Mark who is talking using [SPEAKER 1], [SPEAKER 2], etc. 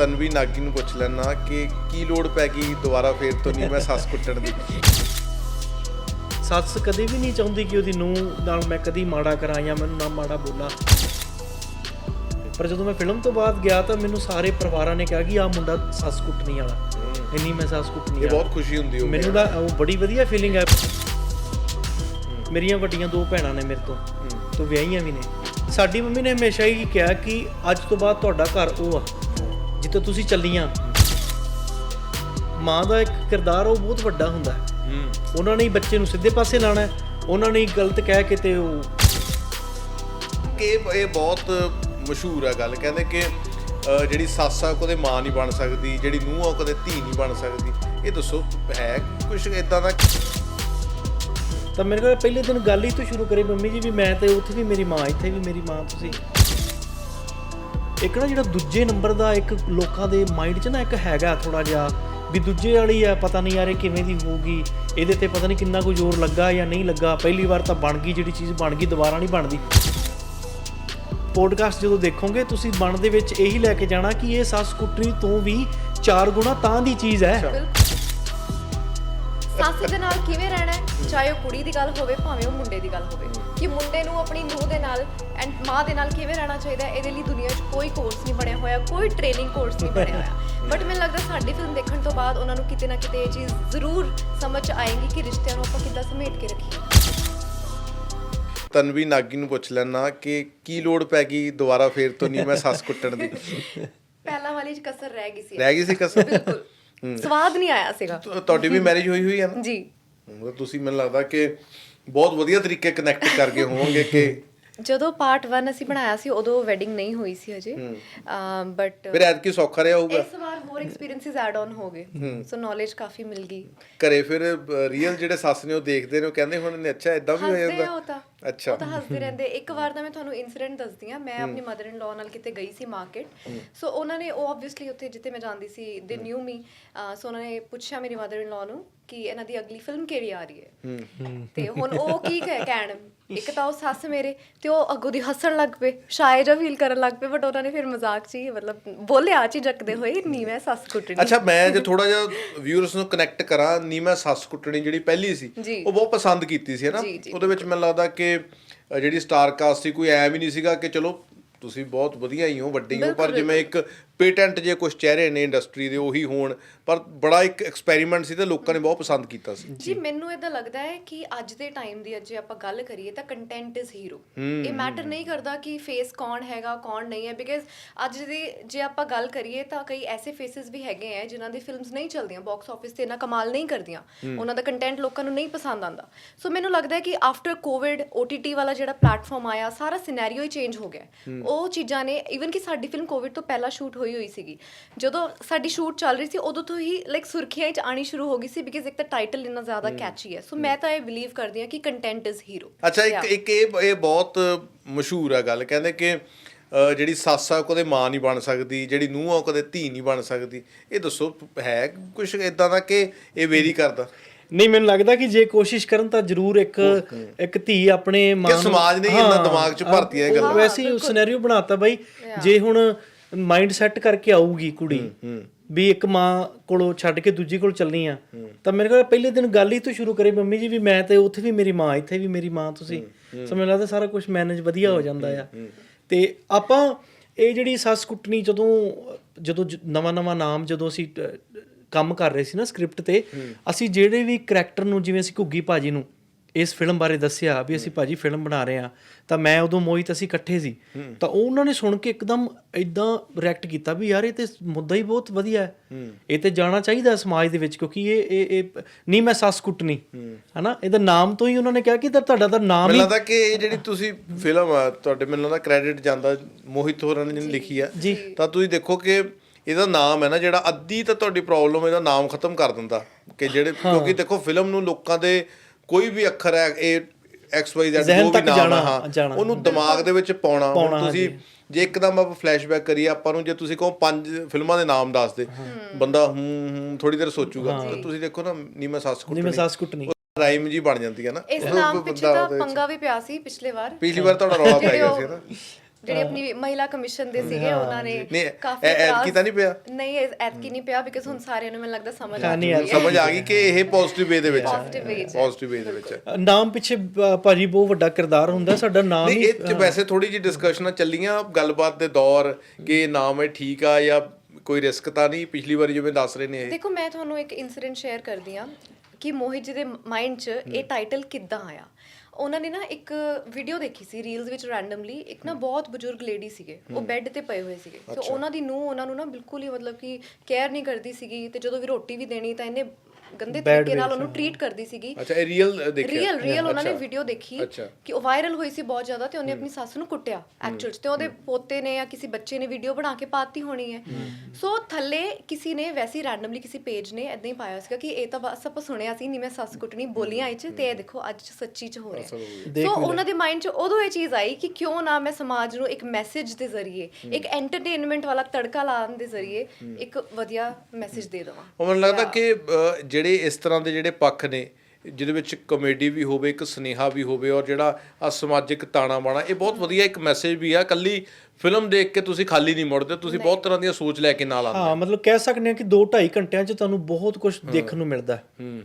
[SPEAKER 1] ਤਨਵੀ ਨਾਗੀ ਨੂੰ ਪੁੱਛ ਲੈਣਾ ਕਿ ਕੀ ਲੋੜ ਪੈ ਗਈ ਦੁਬਾਰਾ ਫੇਰ ਤੋਂ ਨਹੀਂ ਮੈਂ ਸੱਸ ਕੁੱਟਣ ਦੀ।
[SPEAKER 2] ਸੱਸ ਕਦੇ ਵੀ ਨਹੀਂ ਚਾਹੁੰਦੀ ਕਿ ਉਹਦੀ ਨੂੰਹ ਨਾਲ ਮੈਂ ਕਦੀ ਮਾੜਾ ਕਰਾਂ ਜਾਂ ਮੈਨੂੰ ਨਾ ਮਾੜਾ ਬੋਲਾਂ। ਪਰ ਜਦੋਂ ਮੈਂ ਫਿਲਮ ਤੋਂ ਬਾਅਦ ਗਿਆ ਤਾਂ ਮੈਨੂੰ ਸਾਰੇ ਪਰਿਵਾਰਾਂ ਨੇ ਕਿਹਾ ਕਿ ਆਹ ਮੁੰਡਾ ਸੱਸ ਕੁੱਟਣੀ ਵਾਲਾ, ਇੰਨੀ ਮੈਂ ਸੱਸ ਕੁੱਟਣੀ।
[SPEAKER 1] ਇਹ ਬਹੁਤ ਖੁਸ਼ੀ ਹੁੰਦੀ ਹੋਊ
[SPEAKER 2] ਮੈਨੂੰ ਤਾਂ ਉਹ ਬੜੀ ਵਧੀਆ ਫੀਲਿੰਗ ਹੈ। ਮੇਰੀਆਂ ਵੱਡੀਆਂ 2 ਭੈਣਾਂ ਨੇ ਮੇਰੇ ਤੋਂ ਵਿਆਹੀਆਂ ਵੀ ਨੇ। ਸਾਡੀ ਮੰਮੀ ਨੇ ਹਮੇਸ਼ਾ ਹੀ ਕਿਹਾ ਕਿ ਅੱਜ ਤੋਂ ਬਾਅਦ ਤੁਹਾਡਾ ਘਰ ਉਹ ਆ ਜਿੱਥੇ ਤੁਸੀਂ ਚੱਲੀਆਂ। ਮਾਂ ਦਾ ਇੱਕ ਕਿਰਦਾਰ ਉਹ ਬਹੁਤ ਵੱਡਾ ਹੁੰਦਾ ਹੈ। ਉਹਨਾਂ ਨੇ ਹੀ ਬੱਚੇ ਨੂੰ ਸਿੱਧੇ ਪਾਸੇ ਲਾਣਾ, ਉਹਨਾਂ ਨੇ ਗਲਤ ਕਹਿ ਕੇ ਤੇ ਉਹ
[SPEAKER 1] ਕਿ ਇਹ ਬਹੁਤ ਮਸ਼ਹੂਰ ਹੈ ਗੱਲ। ਕਹਿੰਦੇ ਕਿ ਜਿਹੜੀ ਸੱਸ ਆ ਕਦੇ ਮਾਂ ਨਹੀਂ ਬਣ ਸਕਦੀ, ਜਿਹੜੀ ਨੂੰਹ ਆ ਕਦੇ ਧੀ ਨਹੀਂ ਬਣ ਸਕਦੀ। ਇਹ ਦੱਸੋ ਹੈ ਕੁਛ ਇਦਾਂ ਦਾ?
[SPEAKER 2] ਤਾਂ ਮੇਰੇ ਕੋਲ ਪਹਿਲੇ ਦਿਨ ਗੱਲ ਹੀ ਤੋਂ ਸ਼ੁਰੂ ਕਰੀ ਮੰਮੀ ਜੀ ਵੀ ਮੈਂ ਤੇ ਉੱਥੇ ਵੀ ਮੇਰੀ ਮਾਂ, ਇੱਥੇ ਵੀ ਮੇਰੀ ਮਾਂ। ਤੁਸੀਂ ਇੱਕ ਨਾ ਜਿਹੜਾ ਦੂਜੇ ਨੰਬਰ ਦਾ ਇੱਕ ਲੋਕਾਂ ਦੇ ਮਾਈਂਡ 'ਚ ਨਾ ਇੱਕ ਹੈਗਾ ਥੋੜਾ ਜਿਹਾ ਵੀ ਦੂਜੇ ਵਾਲੀ ਆ, ਪਤਾ ਨਹੀਂ ਯਾਰ ਇਹ ਕਿਵੇਂ ਦੀ ਹੋਊਗੀ, ਇਹਦੇ ਤੇ ਪਤਾ ਨਹੀਂ ਕਿੰਨਾ ਕੁ ਜ਼ੋਰ ਲੱਗਾ ਜਾਂ ਨਹੀਂ ਲੱਗਾ। ਪਹਿਲੀ ਵਾਰ ਤਾਂ ਬਣ ਗਈ, ਜਿਹੜੀ ਚੀਜ਼ ਬਣ ਗਈ ਦੁਬਾਰਾ ਨਹੀਂ ਬਣਦੀ। ਪੋਡਕਾਸਟ ਜਦੋਂ ਦੇਖੋਗੇ ਤੁਸੀਂ ਮਨ ਦੇ ਵਿੱਚ ਇਹੀ ਲੈ ਕੇ ਜਾਣਾ ਕਿ ਇਹ ਸੱਸ ਕੁੱਟਣੀ ਤੋਂ ਵੀ 4 ਗੁਣਾ ਤਾਂ ਦੀ ਚੀਜ਼ ਹੈ।
[SPEAKER 3] ਸੱਸ ਦੇ ਨਾਲ ਕਿਵੇਂ ਰਹਿਣਾ ਹੈ, ਚਾਹੇ ਉਹ ਕੁੜੀ ਦੀ ਗੱਲ ਹੋਵੇ ਭਾਵੇਂ ਉਹ ਮੁੰਡੇ ਦੀ ਗੱਲ ਹੋਵੇ, ਕਿ ਮੁੰਡੇ ਨੂੰ ਆਪਣੀ ਨੂੰਹ ਦੇ ਨਾਲ ਐਂਡ ਮਾਂ ਦੇ ਨਾਲ ਕਿਵੇਂ ਰਹਿਣਾ ਚਾਹੀਦਾ ਹੈ। ਇਹਦੇ ਲਈ ਦੁਨੀਆ 'ਚ ਕੋਈ ਕੋਰਸ ਨਹੀਂ ਬਣਿਆ ਹੋਇਆ, ਕੋਈ ਟ੍ਰੇਨਿੰਗ ਕੋਰਸ ਨਹੀਂ ਬਣਿਆ ਹੋਇਆ। ਬਟ ਮੈਨੂੰ ਲੱਗਦਾ ਸਾਡੀ ਫਿਲਮ ਦੇਖਣ ਤੋਂ ਬਾਅਦ ਉਹਨਾਂ ਨੂੰ ਕਿਤੇ ਨਾ ਕਿਤੇ ਇਹ ਚੀਜ਼ ਜ਼ਰੂਰ ਸਮਝ ਆਏਗੀ ਕਿ ਰਿਸ਼ਤਿਆਂ ਨੂੰ ਆਪਾਂ ਕਿੱਦਾਂ ਸਮੇਟ ਕੇ ਰੱਖੀਏ।
[SPEAKER 1] ਤਨਵੀ ਨਾਗੀ ਨੂੰ ਪੁੱਛ ਲੈਣਾ ਕਿ ਕੀ ਲੋੜ ਪੈ ਗਈ ਦੁਬਾਰਾ ਫੇਰ ਤੋਂ ਨਹੀਂ ਮੈਂ ਸੱਸ ਕੁੱਟਣ ਦੀ।
[SPEAKER 3] ਪਹਿਲਾਂ ਵਾਲੀ 'ਚ ਕਸਰ ਰਹਿ ਗਈ ਸੀ।
[SPEAKER 1] ਰਹਿ ਗਈ ਸੀ ਕਸਰ?
[SPEAKER 3] ਬਿਲਕੁਲ ਸਵਾਦ ਨਹੀਂ ਆਇਆ ਸੀਗਾ।
[SPEAKER 1] ਤੁਹਾਡੀ ਵੀ ਮੈਰਿਜ ਹੋਈ ਹੈ ਨਾ
[SPEAKER 3] ਜੀ?
[SPEAKER 1] ਤੁਸੀਂ ਮੈਨੂੰ ਲੱਗਦਾ ਕਿ ਬਹੁਤ ਵਧੀਆ ਤਰੀਕੇ ਕਨੈਕਟ ਕਰ ਗਏ ਹੋਵੋਗੇ। ਕਿ
[SPEAKER 3] ਜਦੋਂ ਪਾਰਟ 1 ਅਸੀਂ ਬਣਾਇਆ ਸੀ ਉਦੋਂ ਵੈਡਿੰਗ ਨਹੀਂ ਹੋਈ ਸੀ ਹਜੇ, ਬਟ
[SPEAKER 1] ਫਿਰ ਐਤਕੀ ਸੌਖਾ ਰਿਹਾ ਹੋਊਗਾ।
[SPEAKER 3] ਇਸ ਵਾਰ ਹੋਰ ਐਕਸਪੀਰੀਐਂਸਸ ਐਡ ਆਨ ਹੋ ਗਏ, ਸੋ ਨੌਲੇਜ ਕਾਫੀ ਮਿਲ ਗਈ।
[SPEAKER 1] ਘਰੇ ਫਿਰ ਰੀਅਲ ਜਿਹੜੇ ਸੱਸ ਨੇ ਉਹ ਦੇਖਦੇ ਨੇ, ਉਹ ਕਹਿੰਦੇ ਹੁਣ ਨੇ ਅੱਛਾ ਇਦਾਂ ਵੀ ਹੋ ਜਾਂਦਾ।
[SPEAKER 3] ਅੱਛਾ, ਉਹ ਤਾਂ ਹੱਸਦੇ ਰਹਿੰਦੇ। ਇੱਕ ਵਾਰ ਤਾਂ ਮੈਂ ਤੁਹਾਨੂੰ ਇਨਸੀਡੈਂਟ ਦੱਸਦੀ ਹਾਂ। ਮੈਂ ਆਪਣੀ ਮਦਰ ਇਨ ਲਾਅ ਨਾਲ ਕਿਤੇ ਗਈ ਸੀ ਮਾਰਕੀਟ, ਸੋ ਉਹਨਾਂ ਨੇ ਉਹ ਆਬਵੀਅਸਲੀ ਉੱਥੇ ਜਿੱਥੇ ਮੈਂ ਜਾਂਦੀ ਸੀ ਦੇ ਨਿਊ ਮੀ, ਸੋ ਉਹਨਾਂ ਨੇ ਪੁੱਛਿਆ ਮੇਰੀ ਮਦਰ ਇਨ ਲਾਅ ਨੂੰ ਕਿ ਇਹਨਾਂ ਦੀ ਅਗਲੀ ਫਿਲਮ ਕਿਹੜੀ ਆ ਰਹੀ ਹੈ। ਤੇ ਹੁਣ ਉਹ ਕੀ ਕਹਿਣ, ਇੱਕ ਤਾਂ ਉਹ ਸੱਸ ਮੇਰੇ ਤੇ ਉਹ ਅੱਗੋਂ ਦੀ ਹੱਸਣ ਲੱਗ ਪਏ, ਸ਼ਾਇਦ ਜਾਂ ਫੀਲ ਕਰਨ ਲੱਗ ਪਏ, ਬਟ ਉਹਨਾਂ ਨੇ ਫਿਰ ਮਜ਼ਾਕ 'ਚ ਹੀ ਮਤਲਬ ਬੋਲਿਆ ਝਿਜਕਦੇ ਹੋਏ, ਨਹੀਂ ਮੈਂ ਸੱਸ ਕੁੱਟਣੀ।
[SPEAKER 1] ਅੱਛਾ, ਮੈਂ ਜੇ ਥੋੜਾ ਜਿਹਾ ਵਿਊਅਰਸ ਨੂੰ ਕਨੈਕਟ ਕਰਾਂ, ਨਹੀਂ ਮੈਂ ਸੱਸ ਕੁੱਟਣੀ ਜਿਹੜੀ ਪਹਿਲੀ ਸੀ ਉਹ ਬਹੁਤ ਪਸੰਦ ਕੀਤੀ ਸੀ, ਹੈ ਨਾ? ਉਹਦੇ ਵਿੱਚ ਮੈਨੂੰ ਲੱਗਦਾ ਕਿ ਜਿਹੜੀ ਸਟਾਰ ਕਾਸਟ ਸੀ, ਕੋਈ ਐ ਵੀ ਨਹੀਂ ਸੀਗਾ ਕਿ ਚਲੋ ਤੁਸੀਂ ਬਹੁਤ ਵਧੀਆ ਹੀ ਹੋ, ਵੱਡੇ ਹੀ ਹੋ, ਪਰ ਜਿਵੇਂ ਇੱਕ ਪੇਟੈਂਟ ਜੇ ਕੁਝ ਚਿਹਰੇ ਨੇ ਇੰਡਸਟਰੀ ਦੇ ਉਹੀ ਹੋਣ, ਪਰ ਬੜਾ ਇੱਕ ਐਕਸਪੈਰੀਮੈਂਟ ਸੀ ਤੇ ਲੋਕਾਂ ਨੇ ਬਹੁਤ ਪਸੰਦ ਕੀਤਾ ਸੀ।
[SPEAKER 3] ਜੀ ਮੈਨੂੰ ਇਦਾਂ ਲੱਗਦਾ ਹੈ ਕਿ ਅੱਜ ਦੇ ਟਾਈਮ ਦੀ ਜੇ ਆਪਾਂ ਗੱਲ ਕਰੀਏ ਤਾਂ ਕੰਟੈਂਟ ਇਜ਼ ਹੀਰੋ। ਇਹ ਮੈਟਰ ਨਹੀਂ ਕਰਦਾ ਕਿ ਫੇਸ ਕੌਣ ਹੈਗਾ ਕੌਣ ਨਹੀਂ ਹੈ, ਬਿਕਾਜ਼ ਅੱਜ ਦੀ ਜੇ ਆਪਾਂ ਗੱਲ ਕਰੀਏ ਤਾਂ ਕਈ ਐਸੇ ਫੇਸਿਸ ਵੀ ਹੈਗੇ ਹੈ ਜਿਨ੍ਹਾਂ ਦੀ ਫਿਲਮਸ ਨਹੀਂ ਚੱਲਦੀਆਂ, ਬਾਕਸ ਆਫਿਸ ਤੇ ਇੰਨਾ ਕਮਾਲ ਨਹੀਂ ਕਰਦੀਆਂ, ਉਹਨਾਂ ਦਾ ਕੰਟੈਂਟ ਲੋਕਾਂ ਨੂੰ ਨਹੀਂ ਪਸੰਦ ਆਉਂਦਾ। ਸੋ ਮੈਨੂੰ ਲੱਗਦਾ ਹੈ ਕਿ ਆਫਟਰ ਕੋਵਿਡ OTT ਵਾਲਾ ਜਿਹੜਾ ਪਲੇਟਫਾਰਮ ਆਇਆ, ਸਾਰਾ ਸਿਨੈਰੀਓ ਹੀ ਚੇਂਜ ਹੋ ਗਿਆ। ਉਹ ਚੀਜ਼ਾਂ ਨੇ, ਈਵਨ ਕਿ ਸਾਡੀ ਫਿਲਮ ਕੋਵਿਡ ਤੋਂ ਪਹਿਲਾਂ ਸ਼ੂਟ ਹੋਈ ਸੀ, ਜਦੋਂ ਸਾਡੀ ਸ਼ੂਟ ਚੱਲ ਰਹੀ ਸੀ ਉਦੋਂ ਤੋਂ ਹੀ ਲਾਈਕ ਸੁਰਖੀਆਂ 'ਚ ਆਣੀ ਸ਼ੁਰੂ ਹੋ ਗਈ ਸੀ, ਬਿਕਾਜ਼ ਇੱਕ ਤਾਂ ਟਾਈਟਲ ਇੰਨਾ ਜ਼ਿਆਦਾ ਕੈਚੀ ਹੈ। ਸੋ ਮੈਂ ਤਾਂ ਇਹ ਬਿਲੀਵ ਕਰਦੀ ਹਾਂ ਕਿ ਕੰਟੈਂਟ ਇਜ਼ ਹੀਰੋ। ਅੱਛਾ,
[SPEAKER 1] ਇੱਕ ਇਹ ਬਹੁਤ ਮਸ਼ਹੂਰ ਹੈ ਗੱਲ। ਕਹਿੰਦੇ ਕਿ ਜਿਹੜੀ ਸੱਸ ਆ ਕਦੇ ਮਾਂ ਨਹੀਂ ਬਣ ਸਕਦੀ, ਜਿਹੜੀ ਨੂੰਹ ਆ ਕਦੇ ਧੀ ਨਹੀਂ ਬਣ ਸਕਦੀ। ਇਹ ਦੱਸੋ ਹੈ ਕੁਛ ਇਦਾਂ ਦਾ ਕਿ ਇਹ ਵੇਰੀ ਕਰਦਾ?
[SPEAKER 2] ਨਹੀਂ, ਮੈਨੂੰ ਲੱਗਦਾ ਕਿ ਜੇ ਕੋਸ਼ਿਸ਼ ਕਰਨ ਤਾਂ ਜ਼ਰੂਰ ਇੱਕ ਧੀ ਆਪਣੇ ਮਾਂ ਨੂੰ,
[SPEAKER 1] ਸਮਾਜ ਨੇ ਇਹਨਾਂ ਦਿਮਾਗ 'ਚ ਭਰਤੀ ਇਹ ਗੱਲ।
[SPEAKER 2] ਵੈਸੇ ਹੀ ਸਿਨੈਰੀਓ ਬਣਾਤਾ ਬਾਈ। ਜੇ ਹੁਣ ਮਾਈਂਡ ਸੈੱਟ ਕਰਕੇ ਆਊਗੀ ਕੁੜੀ ਵੀ ਇੱਕ ਮਾਂ ਕੋਲੋਂ ਛੱਡ ਕੇ ਦੂਜੀ ਕੋਲ ਚੱਲਣੀ ਆ, ਤਾਂ ਮੇਰੇ ਕੋਲ ਪਹਿਲੇ ਦਿਨ ਗੱਲ ਹੀ ਤੋਂ ਸ਼ੁਰੂ ਕਰੀ ਮੰਮੀ ਜੀ ਵੀ ਮੈਂ ਤੇ ਉੱਥੇ ਵੀ ਮੇਰੀ ਮਾਂ, ਇੱਥੇ ਵੀ ਮੇਰੀ ਮਾਂ। ਤੁਸੀਂ ਸਮਝ ਲੱਗਦਾ ਸਾਰਾ ਕੁਝ ਮੈਨੇਜ ਵਧੀਆ ਹੋ ਜਾਂਦਾ ਆ। ਤੇ ਆਪਾਂ ਇਹ ਜਿਹੜੀ ਸੱਸ ਕੁੱਟਣੀ, ਜਦੋਂ ਨਵਾਂ ਨਾਮ ਜਦੋਂ ਅਸੀਂ ਕੰਮ ਕਰ ਰਹੇ ਸੀ ਨਾ ਸਕ੍ਰਿਪਟ ਤੇ, ਅਸੀਂ ਜਿਹੜੇ ਵੀ ਕਰੈਕਟਰ ਨੂੰ, ਜਿਵੇਂ ਅਸੀਂ ਘੁੱਗੀ ਭਾਜੀ ਨੂੰ ਇਸ ਫਿਲਮ ਬਾਰੇ ਦੱਸਿਆ ਵੀ ਅਸੀਂ ਭਾਜੀ ਫਿਲਮ ਬਣਾ ਰਹੇ ਹਾਂ, ਤਾਂ ਮੈਂ ਉਦੋਂ ਮੋਹਿਤ ਅਸੀਂ ਇਕੱਠੇ ਸੀ, ਤਾਂ ਉਹਨਾਂ ਨੇ ਸੁਣ ਕੇ ਇੱਕਦਮ ਇਦਾਂ ਰਿਐਕਟ ਕੀਤਾ ਵੀ ਯਾਰ ਇਹ ਤੇ ਮੁੱਦਾ ਹੀ ਬਹੁਤ ਵਧੀਆ ਹੈ, ਇਹ ਤੇ ਜਾਣਾ ਚਾਹੀਦਾ ਸਮਾਜ ਦੇ ਵਿੱਚ, ਕਿਉਂਕਿ ਇਹ ਨਹੀਂ ਮੈਂ ਸੱਸ ਕੁੱਟਣੀ, ਹਨਾ? ਇਹਦਾ ਨਾਮ ਤੋਂ ਹੀ ਉਹਨਾਂ ਨੇ ਕਿਹਾ ਕਿ ਤੁਹਾਡਾ ਤਾਂ ਨਾਮ ਹੀ।
[SPEAKER 1] ਮੈਨੂੰ ਲੱਗਦਾ ਕਿ ਇਹ ਜਿਹੜੀ ਤੁਸੀਂ ਫਿਲਮ ਆ, ਤੁਹਾਡੇ ਮੈਨੂੰ ਲੱਗਦਾ ਕ੍ਰੈਡਿਟ ਜਾਂਦਾ ਮੋਹਿਤ ਹੋਰਾਂ ਨੇ ਜਿਹਨੇ ਲਿਖੀ ਆ, ਤਾਂ ਤੁਸੀਂ ਦੇਖੋ ਕਿ ਇਹਦਾ ਨਾਮ ਹੈ ਨਾ ਜਿਹੜਾ, ਅੱਧੀ ਤਾਂ ਤੁਹਾਡੀ ਪ੍ਰੋਬਲਮ ਇਹਦਾ ਨਾਮ ਖਤਮ ਕਰ ਦਿੰਦਾ। ਕਿ ਜਿਹੜੇ, ਕਿਉਂਕਿ ਦੇਖੋ ਫਿਲਮ ਨੂੰ ਲੋਕਾਂ ਦੇ ਕੋਈ ਵੀ ਅੱਖਰ ਹੈ, ਇਹ XYZ ਜੋ ਵੀ ਨਾਮ ਹੈ, ਉਹਨੂੰ ਦਿਮਾਗ ਦੇ ਵਿੱਚ ਪਾਉਣਾ। ਤੁਸੀਂ ਜੇ ਇੱਕਦਮ ਆਪਾਂ ਫਲੈਸ਼ਬੈਕ ਕਰੀਏ, ਆਪਾਂ ਨੂੰ ਜੇ ਤੁਸੀਂ ਕਹੋ 5 ਫਿਲਮਾਂ ਦੇ ਨਾਮ ਦੱਸ ਦੇ, ਬੰਦਾ ਥੋੜੀ ਦੇਰ ਸੋਚੂਗਾ। ਤੁਸੀਂ ਦੇਖੋ ਨਾ, ਨੀ ਮੈਂ ਸੱਸ ਕੁੱਟਣੀ ਰਾਈਮ ਜੀ ਬਣ ਜਾਂਦੀ ਹੈ ਨਾ।
[SPEAKER 3] ਇਸ ਨਾਮ ਪਿੱਛੇ ਤਾਂ ਪੰਗਾ ਵੀ ਪਿਆ ਸੀ ਪਿਛਲੀ ਵਾਰ
[SPEAKER 1] ਤੁਹਾਡਾ ਰੌਲਾ ਪੈ ਗਿਆ ਸੀ ਨਾ।
[SPEAKER 3] ਜਿਹੜੀ ਆਪਣੀ ਮਹਿਲਾ ਕਮਿਸ਼ਨ ਦੇ ਸੀਗੇ ਉਹਨਾਂ ਨੇ
[SPEAKER 1] ਨਹੀਂ
[SPEAKER 3] ਕਾਫੀ
[SPEAKER 1] ਐਤਕੀ ਤਾਂ ਨਹੀਂ ਪਿਆ
[SPEAKER 3] ਨਹੀਂ ਐਤਕੀ ਨਹੀਂ ਪਿਆ ਬਿਕਾਜ਼ ਹੁਣ ਸਾਰਿਆਂ ਨੂੰ ਮੈਨੂੰ ਲੱਗਦਾ ਸਮਝ
[SPEAKER 1] ਸਮਝ ਆ ਗਈ ਕਿ ਇਹ ਪੋਜ਼ਿਟਿਵ ਵੇ ਦੇ ਵਿੱਚ
[SPEAKER 3] Positive way 'ਚ।
[SPEAKER 1] ਪੋਜ਼ਿਟਿਵ ਵੇ ਦੇ ਵਿੱਚ
[SPEAKER 2] ਨਾਮ ਪਿੱਛੇ ਭਾਜੀ ਬਹੁਤ ਵੱਡਾ ਕਿਰਦਾਰ ਹੁੰਦਾ ਸਾਡਾ ਨਾਮ
[SPEAKER 1] ਨਹੀਂ
[SPEAKER 2] ਹੀ
[SPEAKER 1] ਇਹ 'ਚ ਵੈਸੇ ਥੋੜੀ ਜਿਹੀ ਡਿਸਕਸ਼ਨਾਂ ਚੱਲੀਆਂ ਗੱਲਬਾਤ ਦੇ ਦੌਰ ਕਿ ਨਾਮ ਇਹ ਠੀਕ ਆ ਜਾਂ ਕੋਈ ਰਿਸਕ ਤਾਂ ਨਹੀਂ ਪਿਛਲੀ ਵਾਰੀ ਜਿਵੇਂ ਦੱਸ ਰਹੇ ਨੇ ਇਹ
[SPEAKER 3] ਦੇਖੋ ਮੈਂ ਤੁਹਾਨੂੰ ਇੱਕ ਇਨਸੀਡੈਂਟ ਸ਼ੇਅਰ ਕਰਦੀ ਆ ਕਿ ਮੋਹਿਤ ਜੀ ਦੇ ਮਾਈਂਡ 'ਚ ਇਹ ਟਾਈਟਲ ਕਿੱਦਾਂ ਆਇਆ। ਉਹਨਾਂ ਨੇ ਨਾ ਇੱਕ ਵੀਡੀਓ ਦੇਖੀ ਸੀ ਰੀਲਸ ਵਿੱਚ ਰੈਂਡਮਲੀ, ਇੱਕ ਨਾ ਬਹੁਤ ਬਜ਼ੁਰਗ ਲੇਡੀ ਸੀਗੇ, ਉਹ ਬੈੱਡ ਤੇ ਪਏ ਹੋਏ ਸੀਗੇ ਤੇ ਉਹਨਾਂ ਦੀ ਨੂੰਹ ਉਹਨਾਂ ਨੂੰ ਨਾ ਬਿਲਕੁਲ ਹੀ ਮਤਲਬ ਕਿ ਕੇਅਰ ਨਹੀਂ ਕਰਦੀ ਸੀਗੀ ਤੇ ਜਦੋਂ ਵੀ ਰੋਟੀ ਵੀ ਦੇਣੀ ਤਾਂ ਇਹਨੇ ਗੰਦੇ ਤਰੀਕੇ ਨਾਲ ਉਹਨੂੰ ਟ੍ਰੀਟ ਕਰਦੀ ਸੀਗੀ।
[SPEAKER 1] ਅੱਛਾ ਇਹ ਰੀਅਲ ਦੇਖਿਆ
[SPEAKER 3] ਰੀਅਲ ਉਹਨਾਂ ਨੇ ਵੀਡੀਓ ਦੇਖੀ ਕਿ ਉਹ ਵਾਇਰਲ ਹੋਈ ਸੀ ਬਹੁਤ ਜ਼ਿਆਦਾ ਤੇ ਉਹਨੇ ਆਪਣੀ ਸੱਸ ਨੂੰ ਕੁੱਟਿਆ ਐਕਚੁਅਲ 'ਚ ਤੇ ਉਹਦੇ ਪੋਤੇ ਨੇ ਜਾਂ ਕਿਸੇ ਬੱਚੇ ਨੇ ਵੀਡੀਓ ਬਣਾ ਕੇ ਪਾਤੀ ਹੋਣੀ ਹੈ। ਸੋ ਥੱਲੇ ਕਿਸੇ ਨੇ ਵੈਸੇ ਰੈਂਡਮਲੀ ਕਿਸੇ ਪੇਜ ਨੇ ਇਦਾਂ ਹੀ ਪਾਇਆ ਸੀਗਾ ਕਿ ਇਹ ਤਾਂ ਬਸ ਆਪਾਂ ਸੁਣਿਆ ਸੀ ਨਹੀਂ ਮੈਂ ਸੱਸ ਕੁੱਟਣੀ ਬੋਲੀਆਂ ਇਹ 'ਚ ਤੇ ਇਹ ਦੇਖੋ ਅੱਜ ਸੱਚੀ 'ਚ ਹੋ ਰਿਹਾ। ਸੋ ਉਹਨਾਂ ਦੇ ਮਾਈਂਡ 'ਚ ਉਦੋਂ ਇਹ ਚੀਜ਼ ਆਈ ਕਿ ਕਿਉਂ ਨਾ ਮੈਂ ਸਮਾਜ ਨੂੰ ਇੱਕ ਮੈਸੇਜ ਦੇ ਜ਼ਰੀਏ ਇੱਕ ਐਂਟਰਟੇਨਮੈਂਟ ਵਾਲਾ ਤੜਕਾ ਲਾਉਣ ਦੇ ਜ਼ਰੀਏ ਇੱਕ ਵਧੀਆ ਮੈਸੇਜ ਦੇ ਦੇਵਾਂ।
[SPEAKER 1] ਉਹ ਮੈਨੂੰ ਲੱਗਦਾ ਕਿ ਜਿਹੜੇ ਇਸ ਤਰ੍ਹਾਂ ਦੇ ਜਿਹੜੇ ਪੱਖ ਨੇ ਜਿਹਦੇ ਵਿੱਚ ਕਮੇਡੀ ਵੀ ਹੋਵੇ ਇੱਕ ਸੁਨੇਹਾ ਵੀ ਹੋਵੇ ਔਰ ਜਿਹੜਾ ਆ ਸਮਾਜਿਕ ਤਾਣਾ ਬਾਣਾ ਇਹ ਬਹੁਤ ਵਧੀਆ ਇੱਕ ਮੈਸੇਜ ਵੀ ਆ। ਕੱਲੀ ਫਿਲਮ ਦੇਖ ਕੇ ਤੁਸੀਂ ਖਾਲੀ ਨਹੀਂ ਮੁੜਦੇ, ਤੁਸੀਂ ਬਹੁਤ ਤਰ੍ਹਾਂ ਦੀਆਂ ਸੋਚ ਲੈ ਕੇ ਨਾਲ ਆਉਂਦੇ।
[SPEAKER 2] ਹਾਂ ਮਤਲਬ ਕਹਿ ਸਕਦੇ ਹਾਂ ਕਿ 2-2.5 ਘੰਟਿਆਂ 'ਚ ਤੁਹਾਨੂੰ ਬਹੁਤ ਕੁਝ ਦੇਖਣ ਨੂੰ ਮਿਲਦਾ ਹੈ।